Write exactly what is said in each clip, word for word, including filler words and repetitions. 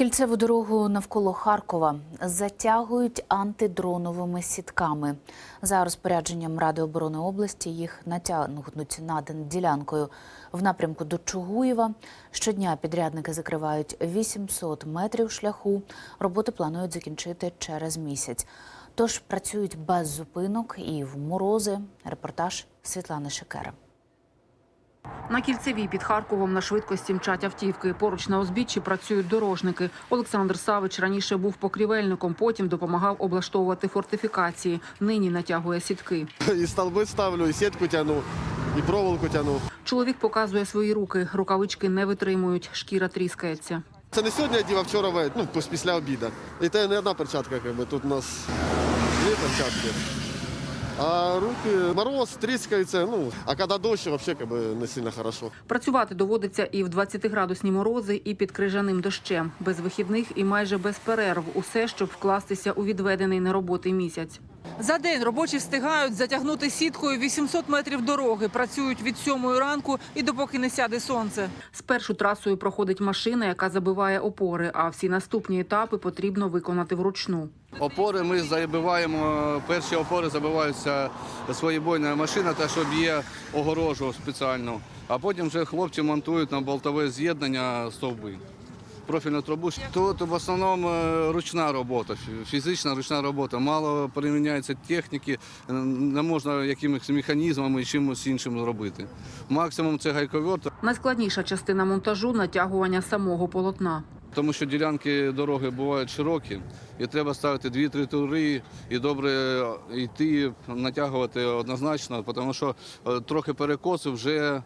Кільцеву дорогу навколо Харкова затягують антидроновими сітками. За розпорядженням Ради оборони області їх натягнуть над ділянкою в напрямку до Чугуєва. Щодня підрядники закривають вісімсот метрів шляху. Роботи планують закінчити через місяць. Тож працюють без зупинок і в морози. Репортаж Світлани Шикера. На Кільцевій під Харковом на швидкості мчать автівки. Поруч на узбіччі працюють дорожники. Олександр Савич раніше був покрівельником, потім допомагав облаштовувати фортифікації. Нині натягує сітки. І стовби ставлю, і сітку тягну, і проволоку тягну. Чоловік показує свої руки. Рукавички не витримують, шкіра тріскається. Це не сьогодні одів, а вчора, ну, після обіду. І це не одна перчатка, якби. Тут у нас дві перчатки. А руки, мороз, тріскаються, ну, а коли дощ, взагалі как бы, не сильно хорошо. Працювати доводиться і в двадцятиградусні морози, і під крижаним дощем. Без вихідних і майже без перерв. Усе, щоб вкластися у відведений на роботи місяць. За день робочі встигають затягнути сіткою вісімсот метрів дороги. Працюють від сьомої ранку і допоки не сяде сонце. Спершу трасою проходить машина, яка забиває опори, а всі наступні етапи потрібно виконати вручну. Опори ми забиваємо, перші опори забиваються своєбойна машина, та що б'є огорожу спеціально, а потім вже хлопці монтують на болтове з'єднання стовби. Профільну трубу. Тут в основному ручна робота, фізична ручна робота. Мало приміняється техніки, не можна якимось механізмами і чимось іншим робити. Максимум це гайковерт. Найскладніша частина монтажу – натягування самого полотна. Тому що ділянки дороги бувають широкі, і треба ставити дві-три тури, і добре йти, натягувати однозначно, тому що трохи перекосу вже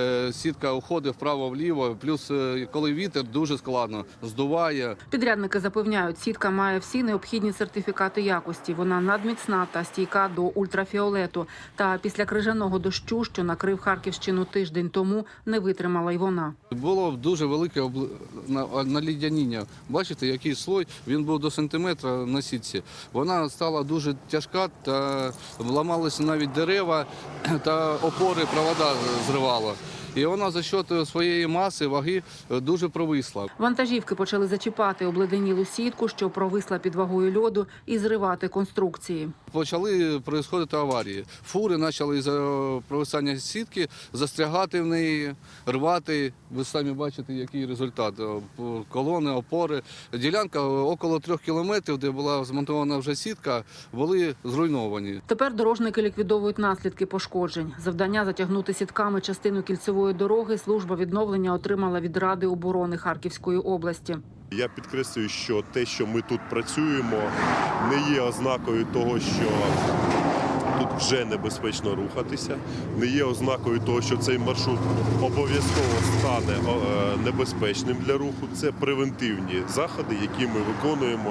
сітка уходить вправо-вліво, плюс коли вітер, дуже складно, здуває. Підрядники запевняють, сітка має всі необхідні сертифікати якості. Вона надміцна та стійка до ультрафіолету. Та після крижаного дощу, що накрив Харківщину тиждень тому, не витримала й вона. Було дуже велике обл... налідяніння. Бачите, який слой, він був до сантиметра на сітці. Вона стала дуже тяжка, та ламалися навіть дерева, та опори, провода зривала. І вона за счет своєї маси, ваги дуже провисла. Вантажівки почали зачіпати обледенілу сітку, що провисла під вагою льоду, і зривати конструкції. Почали відбуватися аварії. Фури почали за провисання сітки застрягати в неї, рвати. Ви самі бачите, який результат. Колони, опори. Ділянка около трьох кілометрів, де була змонтована вже сітка, були зруйновані. Тепер дорожники ліквідовують наслідки пошкоджень. Завдання затягнути сітками частину кільцевої дороги служба відновлення отримала від Ради оборони Харківської області. Я підкреслюю, що те, що ми тут працюємо, не є ознакою того, що тут вже небезпечно рухатися, не є ознакою того, що цей маршрут обов'язково стане небезпечним для руху. Це превентивні заходи, які ми виконуємо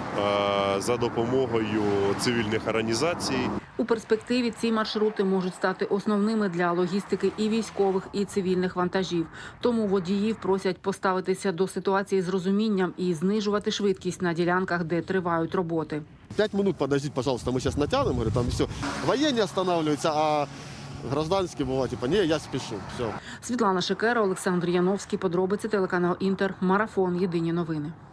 за допомогою цивільних організацій. У перспективі ці маршрути можуть стати основними для логістики і військових, і цивільних вантажів. Тому водіїв просять поставитися до ситуації з розумінням і знижувати швидкість на ділянках, де тривають роботи. П'ять минут подождіть, пожалуйста, ми зараз натягнемо, говорю, там все. Воєнні останавливаються, а гражданські бувають, типа, ні, я спішу, все. Світлана Шикера, Олександр Яновський, подробиці, телеканал Інтер, Марафон, єдині новини.